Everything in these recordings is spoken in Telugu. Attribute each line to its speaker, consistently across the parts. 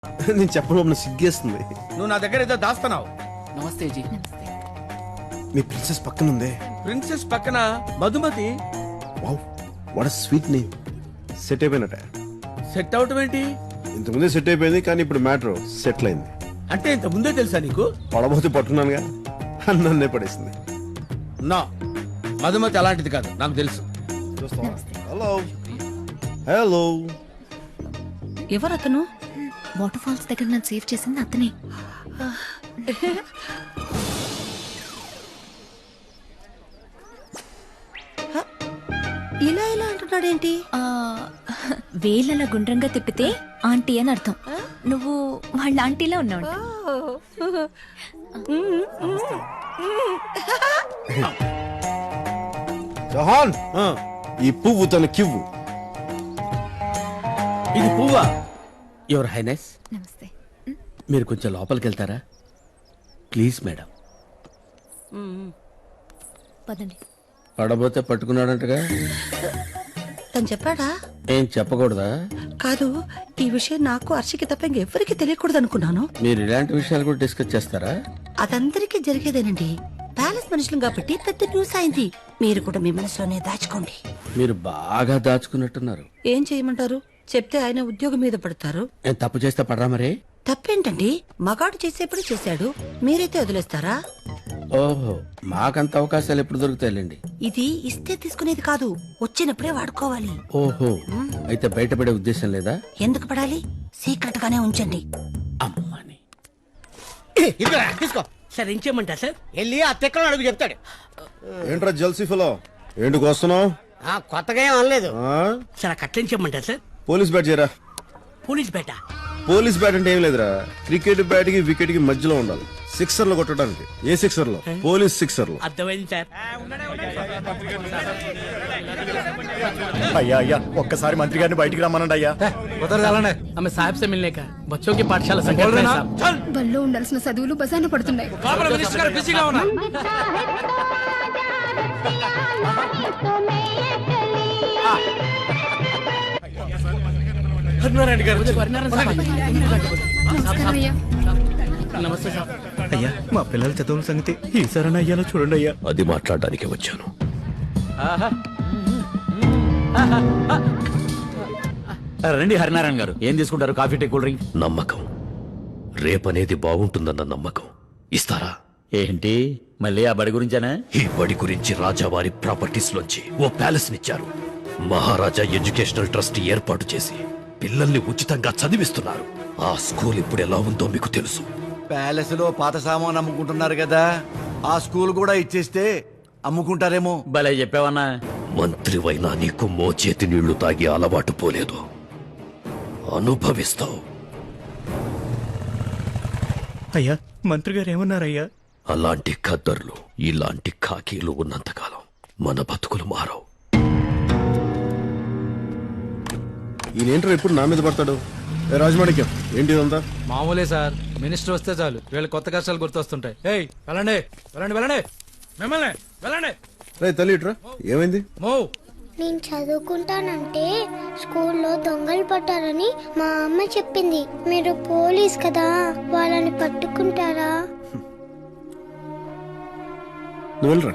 Speaker 1: నేను చెప్పడం సిగ్గేస్తుంది.
Speaker 2: నువ్వు నా దగ్గర ఏదో దాస్తున్నావు.
Speaker 3: నమస్తే జీ.
Speaker 1: మీ ప్రిన్సెస్ పక్కన ఉందే.
Speaker 2: ప్రిన్సెస్ పక్కన Madhumati.
Speaker 1: Wow, what a sweet name. Set అయిపోయినట.
Speaker 2: సెట్ అవటం ఏంటి?
Speaker 1: ఇంతకుముందే సెట్ అయిపోయింది, కానీ ఇప్పుడు మ్యాటర్ సెటిల్ అయింది.
Speaker 2: అంటే ఇంత ముందే తెలుసా నీకు?
Speaker 1: పడబోతే పట్టున్నానుగా, నన్నే పడేసింది.
Speaker 2: నా మధుమతి అలాంటిది కాదు, నాకు తెలుసు.
Speaker 1: Hello hello.
Speaker 4: ఎవరతను? వాటర్ ఫాల్స్ దగ్గర నన్ను సేవ్ చేసింది అతనే.
Speaker 5: ఇలా ఇలా అంటున్నాడేంటి?
Speaker 4: వేలలా గుండ్రంగా తిప్పితే ఆంటీ అని అర్థం. నువ్వు వాళ్ళ ఆంటీలా ఉన్నావు.
Speaker 1: జహాన్, ఈ పువ్వు తన కివ్వు.
Speaker 2: ఇది పువ్వా? యువర్ హైనెస్,
Speaker 4: నమస్తే.
Speaker 2: మీరు కొంచెం లోపలికి వెళ్తారా ప్లీజ్ మేడం?
Speaker 4: పదండి.
Speaker 2: పడబోతే పట్టుకున్నాడంటగా.
Speaker 5: తను చెప్పాడా?
Speaker 2: ఏం చెప్పకూడదా?
Speaker 5: కాదు, ఈ విషయం నాకు హర్షికి తప్ప ఇంకెవ్వరికి తెలియకూడదు అనుకున్నాను.
Speaker 2: మీరు ఇలాంటి విషయాలు కూడా డిస్కస్ చేస్తారా?
Speaker 5: అదందరికీ జరిగేదేనండి. ప్యాలెస్ మనుషులు కాబట్టి పెద్ద న్యూస్ అయింది. మీరు కూడా మీ మనసులోనే దాచుకోండి.
Speaker 2: మీరు బాగా దాచుకున్నట్టున్నారు.
Speaker 5: ఏం చేయమంటారు? చెప్తే ఆయన ఉద్యోగం మీద పడతారు.
Speaker 2: నేను తప్పు చేస్తే పడరా మరి?
Speaker 5: తప్పేంటండి? మగాడు చేసేప్పుడు చేశాడు, మీరైతే వదిలేస్తారా?
Speaker 2: ఓహో, మాకంత అవకాశాలు ఎప్పుడు దొరుకుతాయిలేండి.
Speaker 5: ఇది ఇస్తే తీసుకునేది కాదు, వచ్చినప్పుడే వాడుకోవాలి.
Speaker 2: ఓహో, అయితే బయటపడే ఉద్దేశం లేదా?
Speaker 5: ఎందుకు పడాలి? సీక్రెట్ గానే ఉంచండి.
Speaker 2: అమ్మని
Speaker 6: తీసుకో సార్. ఏం చేయమంటారు సార్? వెళ్ళి ఆ తెక్కలో అడుగు చెప్తాడు.
Speaker 1: ఏంట్రా జల్సీ ఫలో, ఏంటికి వస్తున్నావు?
Speaker 6: కొత్తగా ఏం అనలేదు సార్. కట్లేం చేయమంటారు సార్?
Speaker 1: పోలీస్ బ్యాట్ చేయరా.
Speaker 6: పోలీస్ బేట?
Speaker 1: పోలీస్ బ్యాట్ అంటే ఏం లేదురా, క్రికెట్ బ్యాట్ కి వికెట్ కి మధ్యలో ఉండాలి. సిక్సర్ లో కొట్టడానికి. ఏ సిక్సర్ లో? పోలీస్ సిక్సర్ లో.
Speaker 6: అర్థమైంది సార్.
Speaker 7: అయ్యా అయ్యా, ఒక్కసారి మంత్రి గారిని బయటికి రమ్మనండి అయ్యా.
Speaker 3: हमें साहब से मिलने का बच्चों की पाठशाला संकट में साहब.
Speaker 4: బల్లో ఉండాల్సిన చదువులు బజార్న పడుతున్నాయి.
Speaker 3: నమస్తే సార్.
Speaker 7: అయ్యా, మా పిల్లల చదువుల సంగతి ఈసారి అయ్యాలో చూడండి అయ్యా.
Speaker 8: అది మాట్లాడడానికి వచ్చాను.
Speaker 7: రండి హరినారాయణ గారు, ఏం తీసుకుంటారు? Coffee, tea, cool drink?
Speaker 8: నమ్మకం, రేపనేది బాగుంటుందన్న నమ్మకం. ఇస్తారా?
Speaker 7: ఏంటి మళ్ళీ ఆ బడి గురించేనా?
Speaker 8: ఈ బడి గురించి రాజావారి ప్రాపర్టీస్ లోంచి ఓ ప్యాలెస్ నిచ్చారు. మహారాజా ఎడ్యుకేషనల్ ట్రస్ట్ ఏర్పాటు చేసి పిల్లల్ని ఉచితంగా చదివిస్తున్నారు. ఆ స్కూల్ ఇప్పుడు ఎలా ఉందో మీకు తెలుసు.
Speaker 9: ప్యాలెస్ లో పాత సామాన్ అమ్ముకుంటున్నారు కదా, ఆ స్కూల్ కూడా ఇచ్చేస్తే అమ్ముకుంటారేమో.
Speaker 7: భలే చెప్పావన్నా.
Speaker 8: మంత్రివైనా నీకు మోచేతి నీళ్లు తాగి అలవాటు పోలేదు. అనుభవిస్తావు.
Speaker 7: అయ్యా, మంత్రి గారు ఏమన్నారయ్యా?
Speaker 8: అలాంటి ఖద్దర్లు, ఇలాంటి ఖాకీలు ఉన్నంతకాలం మన బతుకులు మారవు.
Speaker 1: ఈయనేంట్రా ఎప్పుడు నా మీద పడతాడు? రాజమాణిక్యం, ఏంటి ఇదంతా?
Speaker 3: మామూలే సార్, మినిస్టర్ వస్తే చాలు వీళ్ళ కొత్త కష్టాలు గుర్తొస్తుంటాయి. ఏయ్ వెళ్ళండి వెళ్ళండి వెళ్ళండి, మిమ్మల్ని వెళ్ళండి.
Speaker 1: రే తల్లి ఇట్రా, ఏమైంది?
Speaker 3: మూవ్.
Speaker 10: నేను చదువుకుంటానంటే స్కూల్లో దొంగలు పట్టారని మా అమ్మ చెప్పింది. మీరు పోలీస్ కదా, వాళ్ళని పట్టుకుంటారా?
Speaker 1: నువ్వు వెళ్ళరా.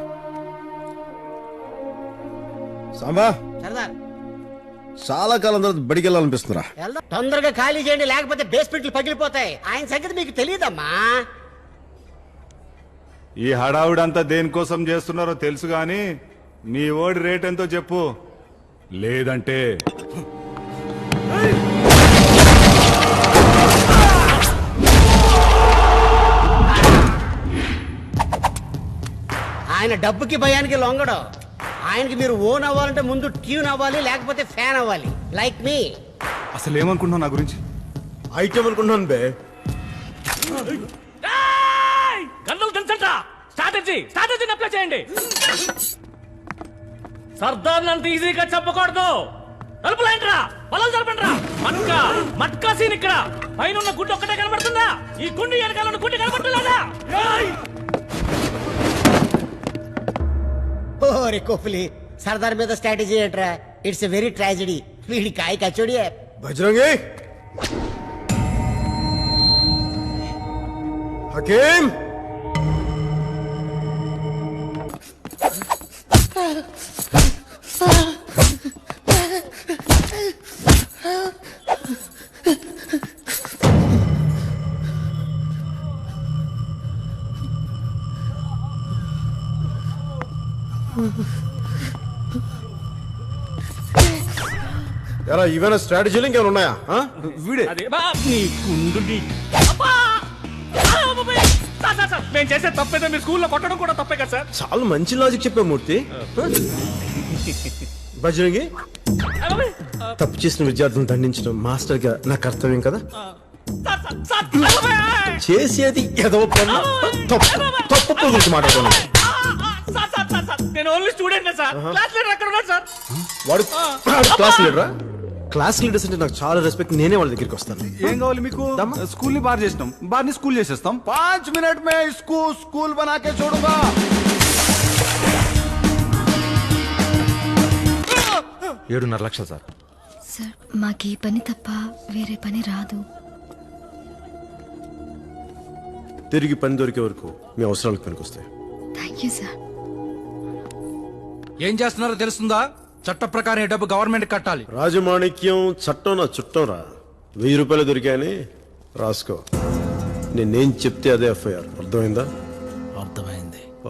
Speaker 1: సాంబా,
Speaker 6: సరదార్
Speaker 1: చాలా కాలం తర్వాత బడికి వెళ్ళాలనిపిస్తుందిరా.
Speaker 6: తొందరగా ఖాళీ చేయండి, లేకపోతే బేస్మెంట్లు పగిలిపోతాయి. ఆయన సంగతి మీకు తెలియదమ్మా.
Speaker 11: ఈ హడావుడంతా దేనికోసం చేస్తున్నారో తెలుసు గాని నీ ఓడి రేట్ ఎంతో చెప్పు, లేదంటే
Speaker 6: ఆయన డబ్బుకి భయానికి లొంగడం. ఆయనకి మీరు ఓన్ అవ్వాలంటే ముందు ట్యూన్ అవ్వాలి, లేకపోతే ఫ్యాన్ అవ్వాలి. Like me.
Speaker 11: అసలు ఏమనుకుంటున్నావు నా గురించి?
Speaker 1: ఐటమ్ అనుకుంటున్నాను బే.
Speaker 3: గన్నులు తెలుసంట. స్ట్రాటజీని అప్లై చేయండి. సర్దార్ అంత ఈజీగా చెప్పకూడదు. తలుపులేంట్రా, పొలం జరపండిరా. మట్కా సీన్ ఇక్కడ. పైన ఉన్న గుడ్డు ఒక్కటే కనబడుతుందా? ఈ గుండు వెనకాల ఉన్న గుడ్డు కనబడుతుందా?
Speaker 6: ఓరే కోహ్లీ, సర్దార్ మీద స్ట్రాటజీ ఏంట్రా? It's a very tragedy. వీడి కాయ కచోడి.
Speaker 1: బజరంగి, హకీం ఎరా ఇవేనా స్ట్రాటజీలు ఇంకేమైనా ఉన్నాయా ఆ?
Speaker 9: వీడే
Speaker 3: అదే బా నీ కుండు నీ అబ్బా! ఆ, బాబాయ్! సార్, నేను చేసే తప్పేదో మీ స్కూల్లో కొట్టడం కూడా తప్పే కదా సార్.
Speaker 1: చాలా మంచి లాజిక్ చెప్పా మూర్తి బజరంగి
Speaker 3: ఆ, బాబాయ్!
Speaker 1: తప్పు చేసిన విద్యార్థులను దండించడం మాస్టర్ గా నా కర్తవ్యం కదా
Speaker 3: సార్, ఆ, బాబాయ్!
Speaker 1: చేసేది ఏదో పనులు తప్పు పనుల గురించి మాట్లాడుతున్నాను
Speaker 3: సార్, నేను only student sir. Class leader అక్కడ ఉన్నాడు సార్.
Speaker 1: వాడు క్లాస్ లీడరా క్లాస్ లీడర్స్ అంటే నాకు చాలా రెస్పెక్ట్ నేనే వాళ్ళ దగ్గరికి వస్తాను
Speaker 9: ఏం కావాలి మీకు స్కూల్ ని బార్ చేసినాం బార్ ని స్కూల్ చేసేస్తాం 5 మినిట్ మే స్కూల్ బనాకే చూడుగా
Speaker 7: 7.5 లక్షలు సార్.
Speaker 4: సార్ మాకు ఈ పని తప్ప వేరే పని రాదు.
Speaker 1: తిరిగి పని దొరికే వరకు మీ అవసరాలకు పనికొస్తాయి.
Speaker 4: Thank you sir.
Speaker 7: ఏం చేస్తున్నారో తెలుస్తుందా? చట్ట ప్రకారం ఈ డబ్బు గవర్నమెంట్ కట్టాలి.
Speaker 1: రాజమాణిక్యం చట్టం నా చుట్టం రా 1000 రూపాయలు దొరికాయని రాసుకో. నేనేం చెప్తే అదే ఎఫ్ఐఆర్. అర్థమైందా?
Speaker 2: అర్థమైంది.
Speaker 1: ఓ.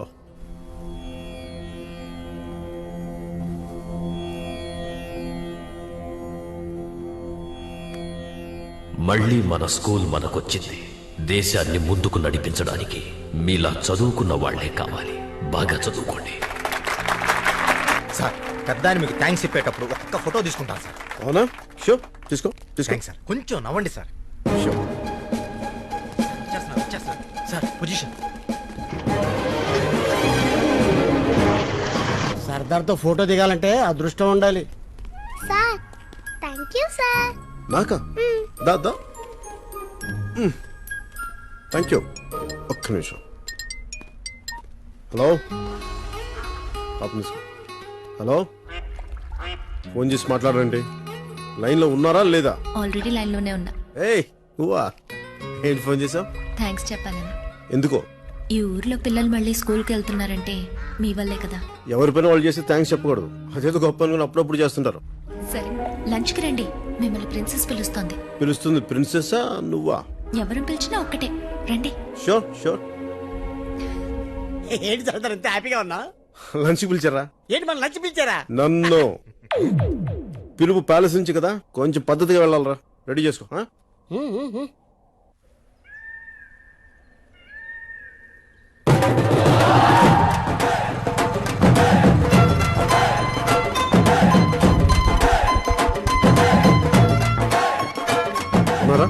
Speaker 8: మళ్ళీ మన స్కూల్ మనకొచ్చింది. దేశాన్ని ముందుకు నడిపించడానికి మీలా చదువుకున్న వాళ్లే కావాలి. బాగా చదువుకోండి.
Speaker 7: సార్ పెద్దాన్ని మీకు థ్యాంక్స్ చెప్పేటప్పుడు ఒక్క ఫోటో తీసుకుంటాను సార్.
Speaker 1: అవునా? షో తీసుకో తీసుకో
Speaker 7: సార్ కొంచెం నవ్వండి సార్.
Speaker 1: షో.
Speaker 7: సార్ పొజిషన్
Speaker 6: సర్దార్తో ఫోటో దిగాలంటే అదృష్టం ఉండాలి.
Speaker 10: Sir thank you sir.
Speaker 1: నాకా? దా దా థ్యాంక్ యూ. ఒక్క నిమిషం. హలో హలో ఫోన్ చేసి మాట్లాడండి. లైన్లో ఉన్నారా లేదా?
Speaker 4: ఆల్రెడీ లైన్లోనే ఉన్నా.
Speaker 1: ఏయ్ నువ్వా? ఏంటి ఫోన్ చేసావు?
Speaker 4: థ్యాంక్స్ చెప్పాలని.
Speaker 1: ఎందుకో?
Speaker 4: ఈ ఊర్లో పిల్లలు మళ్ళీ స్కూల్కి వెళ్తున్నారంటే మీ వల్లే కదా.
Speaker 1: ఎవరి పైన వాళ్ళు చేస్తే థ్యాంక్స్ చెప్పకూడదు. అదేదో గొప్ప అనుకుని అప్పుడప్పుడు చేస్తుంటారు.
Speaker 4: సరే లంచ్కి రండి. మిమ్మల్ని ప్రిన్సెస్ పిలుస్తోంది.
Speaker 1: పిలుస్తుంది ప్రిన్సెస్సా నువ్వా?
Speaker 4: ఎవరు పిలిచినా ఒక్కటే రండి.
Speaker 1: Sure sure.
Speaker 6: ఏంటి సర్దార్ ఇంత హ్యాపీగా ఉన్నా?
Speaker 1: లంచ్కి పిలిచారా?
Speaker 6: ఏంటి మన లంచ్ పిలిచారా?
Speaker 1: నన్ను పిలుపు ప్యాలెస్ నుంచి కదా, కొంచెం పద్ధతిగా వెళ్ళాలరా. రెడీ చేసుకో. ఆ? ఉన్నారా?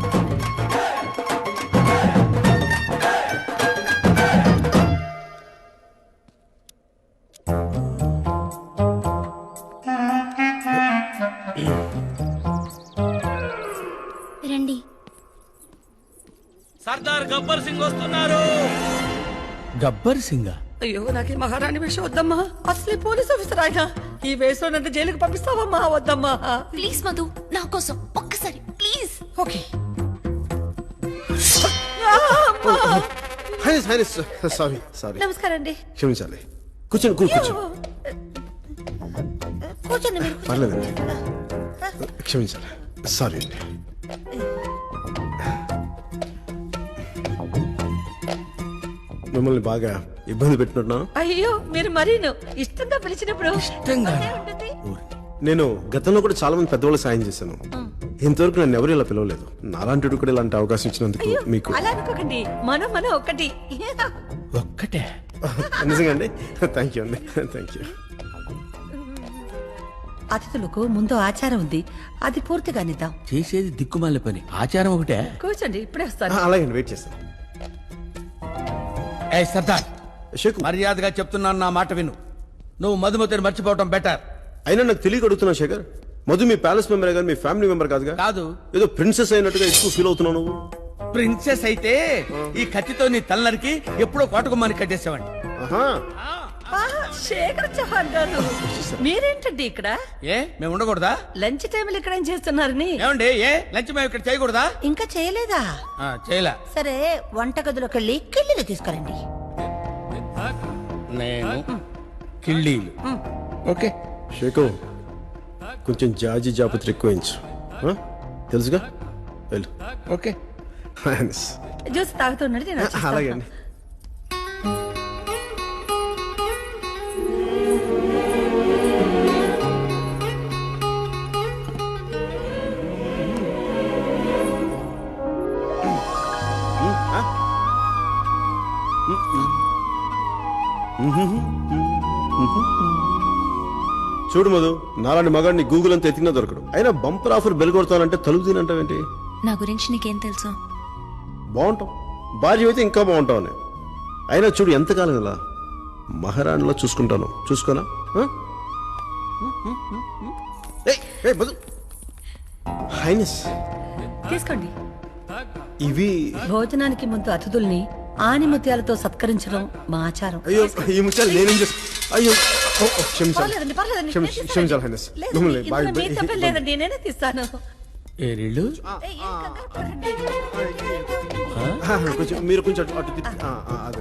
Speaker 10: రండి.
Speaker 3: సర్దార్ గబ్బర్ సింగ్ వస్తున్నారు.
Speaker 2: గబ్బర్ సింగా?
Speaker 5: అయ్యో నాకు ఈ మహారాణి వేషం వద్దమ్మా. అసలే పోలీస్ ఆఫీసర్ ఆయన. ఈ వేషం నన్ను జైలుకి పంపిస్తావమ్మా? వద్దమ్మా.
Speaker 4: ప్లీజ్ మధు నా కోసం ఒక్కసారి ప్లీజ్.
Speaker 5: ఓకే.
Speaker 1: Sorry sorry.
Speaker 5: నమస్కారం అండి.
Speaker 1: క్షమించాలి. కూర్చోండి కూర్చోండి.
Speaker 5: కూర్చోండి మీరు.
Speaker 1: పర్లేదండి. క్షమించాలి. సారీ అండి. మిమ్మల్ని బాగా ఇబ్బంది పెట్టినట్టున్నా?
Speaker 5: అయ్యో మీరు మరీను ఇష్టంగా పిలిచినప్పుడు
Speaker 2: ఇష్టంగా?
Speaker 5: ఉంటుంది.
Speaker 1: నేను గతంలో కూడా చాలా మంది పెద్దవాళ్ళు సాయం చేశాను. ఇంతవరకు నన్ను ఎవరు ఇలా పిలవలేదు. నాలాంటి కూడా ఇలాంటి అవకాశం ఇచ్చినందుకు మీకు
Speaker 5: అలా అనుకోకండి. మనం ఒకటి.
Speaker 2: ఒక్కటే?
Speaker 1: నిజంగా అండి. థ్యాంక్ యూ అండి. Thank you.
Speaker 5: అతిథులకు ముందు ఆచారం ఉంది, అది పూర్తిగా నిద్దాం.
Speaker 2: చేసేది దిక్కుమాల పని, ఆచారం ఒకటే.
Speaker 5: కూర్చోండి ఇప్పుడే వస్తాను.
Speaker 1: అలాగే వెయిట్ చేస్తాను.
Speaker 2: ఏ సర్దార్,
Speaker 1: షేక్
Speaker 2: మర్యాదగా చెప్తున్నాను, నా మాట విను. నువ్వు మధుమతిని మర్చిపోవటం బెటర్.
Speaker 1: అయినా నాకు తెలియక అడుగుతున్నా శేఖర్. మధు మీ ప్యాలెస్ మెంబర్ కానీ మీ ఫ్యామిలీ మెంబర్ కాదుగా?
Speaker 2: కాదు.
Speaker 1: ఏదో ప్రిన్సెస్ అయినట్టుగా ఎక్కువ ఫీల్ అవుతున్నావు నువ్వు.
Speaker 2: ప్రిన్సెస్ అయితే ఈ కత్తితో నీ తలనరికి ఎప్పుడో కోటకుమ్మాని కట్టేసేవాడిని.
Speaker 1: ఆహా.
Speaker 5: శేఖర్ చౌహాన్ గారు మీరేంటండి ఇక్కడ?
Speaker 2: ఏ మేము ఉండకూడదా?
Speaker 5: లంచ్ టైంలో ఇక్కడ ఏం చేస్తున్నారని?
Speaker 2: ఏమండి ఏ లంచ్ మేము ఇక్కడ చేయకూడదా?
Speaker 5: ఇంకా చేయలేదా?
Speaker 2: చేయలే.
Speaker 5: సరే వంటగదిలోకి వెళ్ళి కిళ్ళీలు తీసుకురండి.
Speaker 2: నేను కిళ్ళీలు. ఓకే.
Speaker 1: షేకు కొంచెం జాజి జాపత్రి ఎక్కువించు. తెలుసుగా వెళ్ళు.
Speaker 2: ఓకే.
Speaker 5: జ్యూస్ తాగుతున్నాడు నేను వచ్చేస్తాను.
Speaker 1: అలాగే అండి. చూడు మధు, నాలాంటి మగాడిని గూగుల్ అంతా ఎత్తినా దొరకడు. అయినా బంపర్ ఆఫర్ బెల్ కొడతానంటే తలుపు తినంటావేంటి?
Speaker 4: నా గురించి నీకేం తెలుసు?
Speaker 1: బాగుంటాం, భార్య అయితే ఇంకా బాగుంటావు అని. అయినా చూడు ఎంతకాలం ఇలా మహారాణిలో చూసుకుంటాను. చూసుకోనా? హైనస్
Speaker 5: తీసుకోండి.
Speaker 1: ఇవి
Speaker 5: భోజనానికి ముందు అతిథుల్ని ఆనిముత్యాలతో సత్కరించడం మా ఆచారం.
Speaker 1: అయ్యో ఈ ముత్యాలు నేనేం చేస్తా? అయ్యో క్షమించాలి,
Speaker 5: పర్లేదండి, పర్లేదండి.
Speaker 1: క్షమించాలి హైనస్.
Speaker 5: లేదండి, ఇందులో మీ తప్పేం లేదండి, నేనే తీస్తాను.
Speaker 2: ఏరిళ్ళు
Speaker 5: ఏయ్, ఏం కంగారు పడకండి.
Speaker 1: కొంచెం మీరు కొంచెం అటు తిప్పి. అదే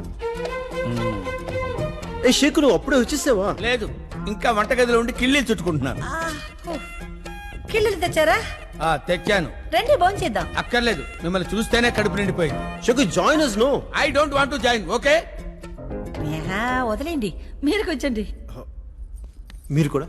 Speaker 1: ఏ షేకు, నువ్వు అప్పుడే వచ్చేసావా?
Speaker 2: లేదు, ఇంకా వంటగదిలో ఉండి కిళ్ళీలు చుట్టుకుంటున్నాను.
Speaker 5: కిళ్ళీలు తెచ్చారా?
Speaker 2: తెచ్చాను.
Speaker 5: రండి భోంచేద్దాం.
Speaker 2: అక్కర్లేదు, మిమ్మల్ని చూస్తేనే కడుపు నిండిపోయింది.
Speaker 1: షేకు join us no.
Speaker 2: I don't want to join. Okay.
Speaker 5: వదిలేండి, మీరు కూర్చోండి.
Speaker 1: మీరు కూడా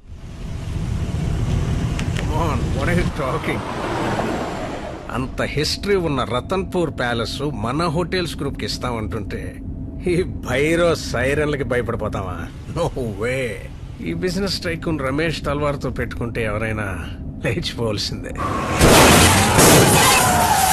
Speaker 12: టాకింగ్. అంత హిస్టరీ ఉన్న రతన్పూర్ ప్యాలెస్ మన హోటల్స్ గ్రూప్ కి ఇస్తామంటుంటే ఈ భైరో సైరన్లకి భయపడిపోతావా? No way. ఈ బిజినెస్ టైకూన్ రమేష్ తల్వార్తో పెట్టుకుంటే ఎవరైనా లేచిపోవలసిందే.